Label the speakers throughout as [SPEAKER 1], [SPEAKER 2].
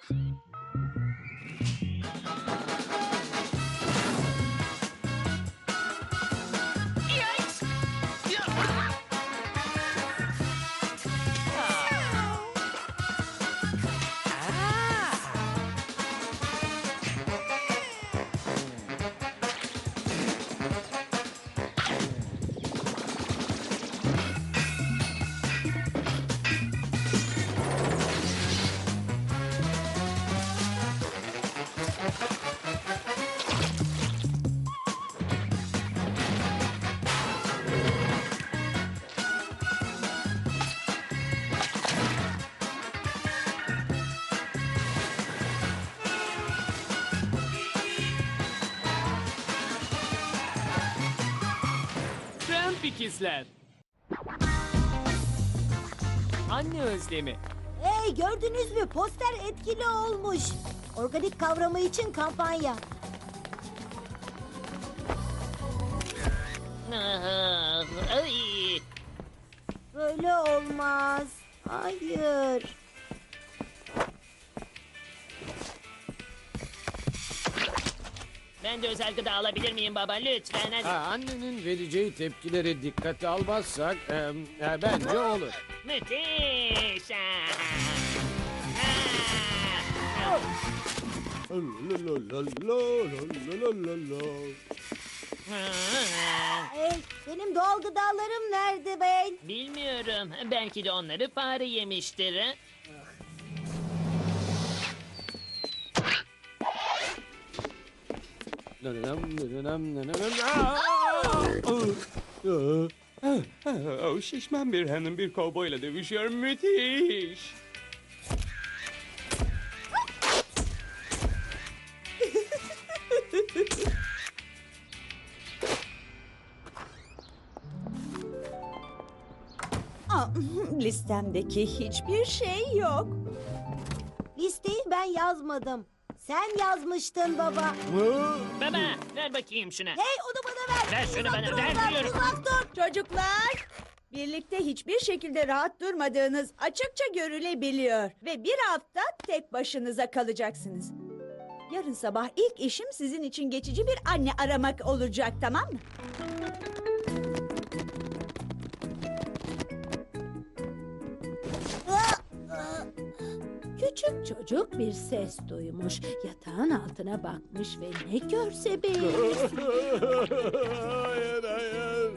[SPEAKER 1] Tramp ikizler. Anne özlemi.
[SPEAKER 2] Hey, gördünüz mü? Poster etkili olmuş. Organik kavramı için kampanya.
[SPEAKER 3] Ay.
[SPEAKER 2] Böyle olmaz. Hayır.
[SPEAKER 3] Ben de özel gıda alabilir miyim baba? Lütfen hadi.
[SPEAKER 4] Annenin vereceği tepkileri dikkate almazsak bence olur.
[SPEAKER 3] Müthiş.
[SPEAKER 2] Hey, benim doğal gıdalarım nerede ben?
[SPEAKER 3] Bilmiyorum. Belki de onları fare yemiştir. Ha?
[SPEAKER 1] Şişman bir hanım bir kovboyla dövüşüyor. Müthiş.
[SPEAKER 5] Listemdeki hiçbir şey yok.
[SPEAKER 2] Listeyi ben yazmadım. Sen yazmıştın baba.
[SPEAKER 3] Baba ver bakayım şuna.
[SPEAKER 2] Hey, onu bana ver.
[SPEAKER 3] Ver şunu
[SPEAKER 2] Uzak
[SPEAKER 3] bana,
[SPEAKER 2] dur
[SPEAKER 3] ver
[SPEAKER 2] ondan,
[SPEAKER 3] diyorum.
[SPEAKER 2] uzak dur.
[SPEAKER 5] Çocuklar, birlikte hiçbir şekilde rahat durmadığınız açıkça görülebiliyor. Ve bir hafta tek başınıza kalacaksınız. Yarın sabah ilk işim sizin için geçici bir anne aramak olacak, tamam mı?
[SPEAKER 6] Küçük çocuk bir ses duymuş. Yatağın altına bakmış ve ne görse beğenmiş.
[SPEAKER 4] Hayır hayır.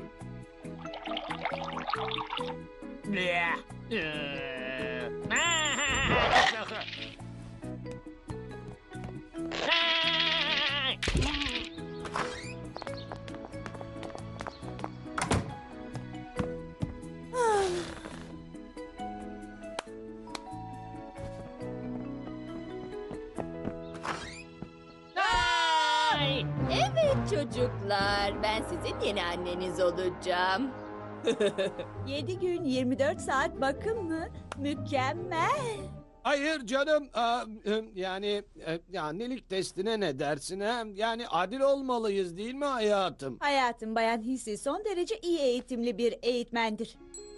[SPEAKER 3] Ay!
[SPEAKER 6] Evet çocuklar, ben sizin yeni anneniz olacağım.
[SPEAKER 5] 7 gün 24 saat bakım mı? Mükemmel.
[SPEAKER 4] Hayır canım. Yani annelik testine ne dersin ha? Yani adil olmalıyız değil mi hayatım?
[SPEAKER 5] Hayatım, Bayan Hissi son derece iyi eğitimli bir eğitmendir.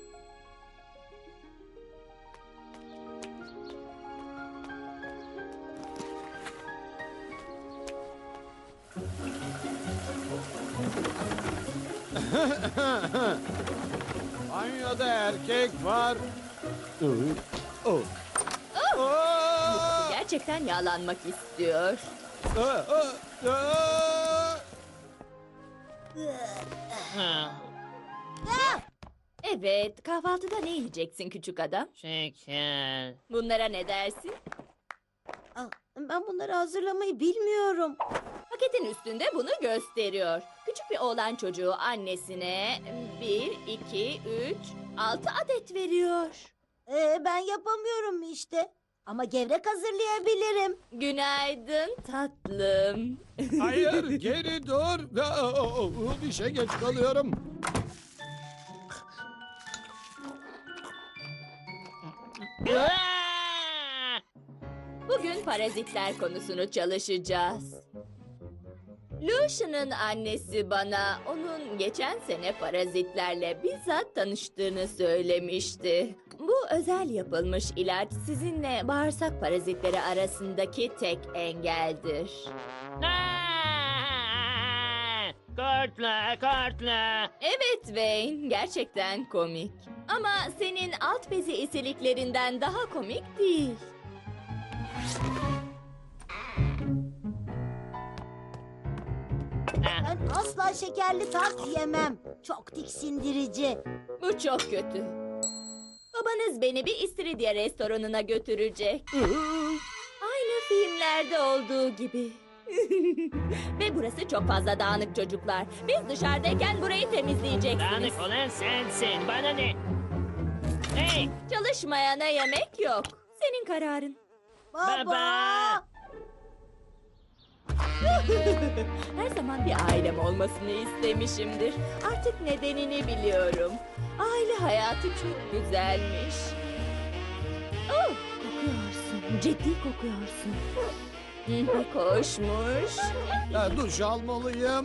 [SPEAKER 4] Banyoda erkek var. Oh.
[SPEAKER 6] Gerçekten yağlanmak istiyor.
[SPEAKER 3] Ha,
[SPEAKER 6] Evet, kahvaltıda ne yiyeceksin küçük adam?
[SPEAKER 3] şeker.
[SPEAKER 6] Bunlara ne dersin?
[SPEAKER 2] Ben bunları hazırlamayı bilmiyorum.
[SPEAKER 6] Paketin üstünde bunu gösteriyor. Küçük bir oğlan çocuğu annesine 1, 2, 3, 6 adet veriyor.
[SPEAKER 2] Ben yapamıyorum işte. Ama gevrek hazırlayabilirim.
[SPEAKER 6] Günaydın tatlım.
[SPEAKER 4] Hayır geri dur. İşe geç kalıyorum.
[SPEAKER 3] Aa!
[SPEAKER 6] Bugün parazitler konusunu çalışacağız. Lucian'ın annesi bana onun geçen sene parazitlerle bizzat tanıştığını söylemişti. Bu özel yapılmış ilaç sizinle bağırsak parazitleri arasındaki tek engeldir.
[SPEAKER 3] Korkla, korkla.
[SPEAKER 6] Evet Wayne, gerçekten komik. Ama senin alt bezi esiliklerinden daha komik değil.
[SPEAKER 2] Ben asla şekerli tart yemem. Çok tiksindirici.
[SPEAKER 6] Bu çok kötü. Babanız beni bir istiridye restoranına götürecek. Aynı filmlerde olduğu gibi. Ve burası çok fazla dağınık çocuklar. Biz dışarıdayken burayı temizleyeceksiniz.
[SPEAKER 3] Dağınık olan sensin. Bana ne? Hey!
[SPEAKER 6] Çalışmayana yemek yok. Senin kararın.
[SPEAKER 2] Baba.
[SPEAKER 6] Her zaman bir ailem olmasını istemişimdir. Artık nedenini biliyorum. Aile hayatı çok güzelmiş. Oh, kokuyorsun. Ciddi kokuyorsun. Koşmuş.
[SPEAKER 4] Duş almalıyım.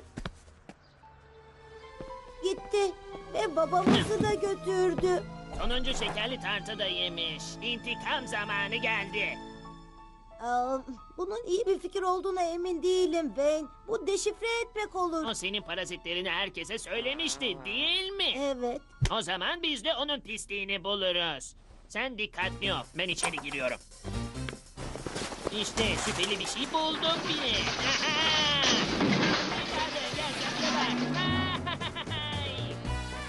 [SPEAKER 2] Gitti ve babamızı da götürdü.
[SPEAKER 3] Sonuncu şekerli tartı da yemiş. İntikam zamanı geldi.
[SPEAKER 2] Bunun iyi bir fikir olduğuna emin değilim Ben. Bu deşifre etmek olur.
[SPEAKER 3] O senin parazitlerini herkese söylemişti, değil mi?
[SPEAKER 2] Evet.
[SPEAKER 3] O zaman biz de onun pisliğini buluruz. Sen dikkatli ol. Ben içeri giriyorum. İşte şüpheli bir şey buldum bile. Aha! Hadi gel, sen de bak. Ay!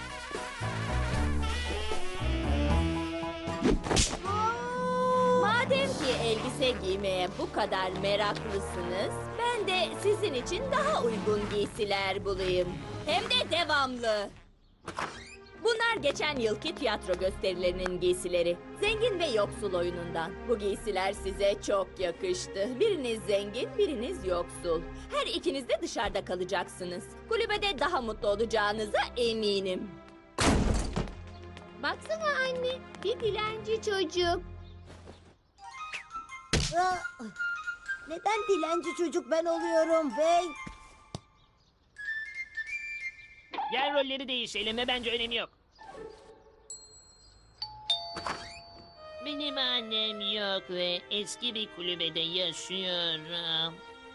[SPEAKER 6] Madem ki elbise giymeye bu kadar meraklısınız, ben de sizin için daha uygun giysiler bulayım. Hem de devamlı. Bunlar geçen yılki tiyatro gösterilerinin giysileri. Zengin ve yoksul oyunundan. Bu giysiler size çok yakıştı. Biriniz zengin, biriniz yoksul. Her ikiniz de dışarıda kalacaksınız. Kulübede daha mutlu olacağınıza eminim.
[SPEAKER 7] Baksana anne, bir dilenci çocuk.
[SPEAKER 2] Neden dilenci çocuk ben oluyorum Ben?
[SPEAKER 3] Yer rolleri değişelim ve bence önemi yok. Benim annem yok ve eski bir kulübede yaşıyorum.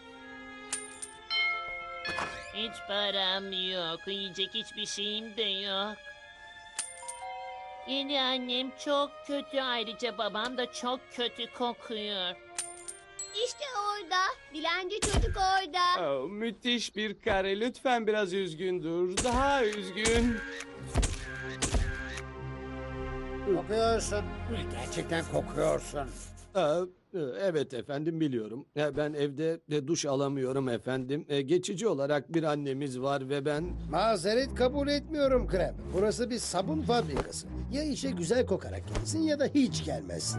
[SPEAKER 3] Hiç param yok, yiyecek hiçbir şeyim de yok. Yeni annem çok kötü, ayrıca babam da çok kötü kokuyor.
[SPEAKER 7] İşte orada, dilenci çocuk orada.
[SPEAKER 1] Oh, müthiş bir kare. Lütfen biraz üzgün dur. Daha üzgün.
[SPEAKER 8] Kokuyorsun. Gerçekten kokuyorsun.
[SPEAKER 4] Evet efendim, biliyorum. Ben evde duş alamıyorum efendim. Geçici olarak bir annemiz var ve ben...
[SPEAKER 8] Mazeret kabul etmiyorum Krem. Burası bir sabun fabrikası. Ya işe güzel kokarak gelirsin ya da hiç gelmezsin.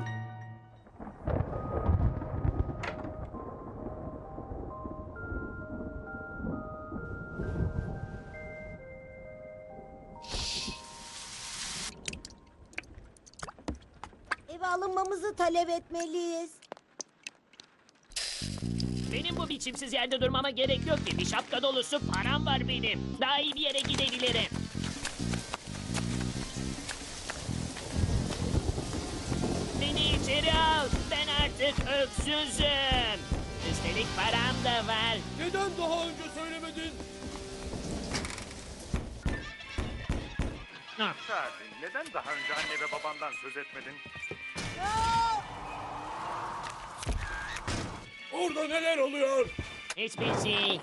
[SPEAKER 2] Eve alınmamızı talep etmeliyiz.
[SPEAKER 3] Benim bu biçimsiz yerde durmama gerek yok ki. Bir şapka dolusu param var benim. Daha iyi bir yere gidebilirim. Beni içeri al. Ben artık öksüzüm. Üstelik param da var.
[SPEAKER 1] Neden daha önce söylemedin?
[SPEAKER 9] Sakin. Neden daha önce anne ve babandan söz etmedin?
[SPEAKER 1] Orada neler oluyor?
[SPEAKER 3] Hiçbir şey.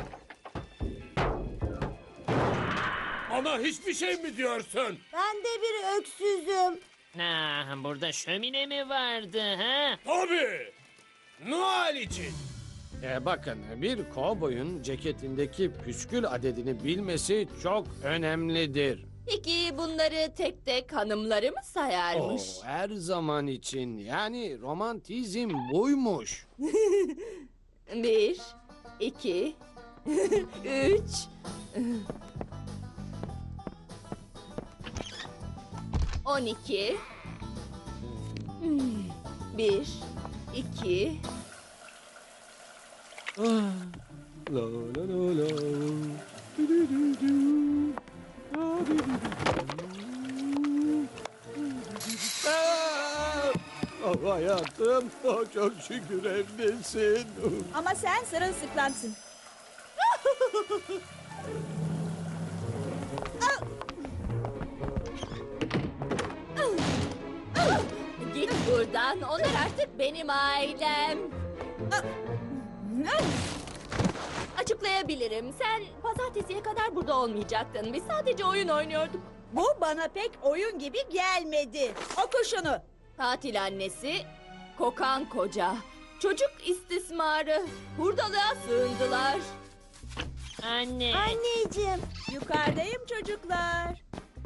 [SPEAKER 1] Bana hiçbir şey mi diyorsun?
[SPEAKER 2] Ben de bir öksüzüm.
[SPEAKER 3] Burada şömine mi vardı ha?
[SPEAKER 1] Tabii. Noel için.
[SPEAKER 4] Bakın, bir kovboyun ceketindeki püskül adedini bilmesi çok önemlidir.
[SPEAKER 6] Peki bunları tek tek hanımları mı sayarmış?
[SPEAKER 4] Her zaman için, yani romantizm buymuş.
[SPEAKER 6] 1, 2, 3. 12. 1, 2.
[SPEAKER 4] La la la la. Du du du du. La du du du. Oh, hayatım, oh, çok şükür evdesin.
[SPEAKER 5] Ama sen sırılsıklamsın.
[SPEAKER 6] Git buradan. Onlar artık benim ailem. Açıklayabilirim. Sen pazartesiye kadar burada olmayacaktın. Biz sadece oyun oynuyorduk.
[SPEAKER 5] Bu bana pek oyun gibi gelmedi. Oku şunu.
[SPEAKER 6] Tatil annesi, kokan koca, çocuk istismarı, hurdalığa sığındılar.
[SPEAKER 3] Anne.
[SPEAKER 2] Anneciğim,
[SPEAKER 5] Yukarıdayım çocuklar.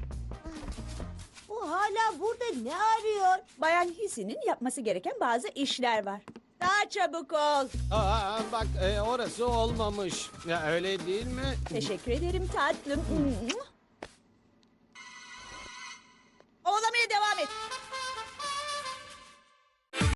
[SPEAKER 2] bu hala burada ne arıyor?
[SPEAKER 5] Bayan Hisi'nin yapması gereken bazı işler var. Daha çabuk ol.
[SPEAKER 4] Bak orası olmamış. Ya öyle değil mi?
[SPEAKER 5] Teşekkür ederim tatlım. Oğlamaya devam et.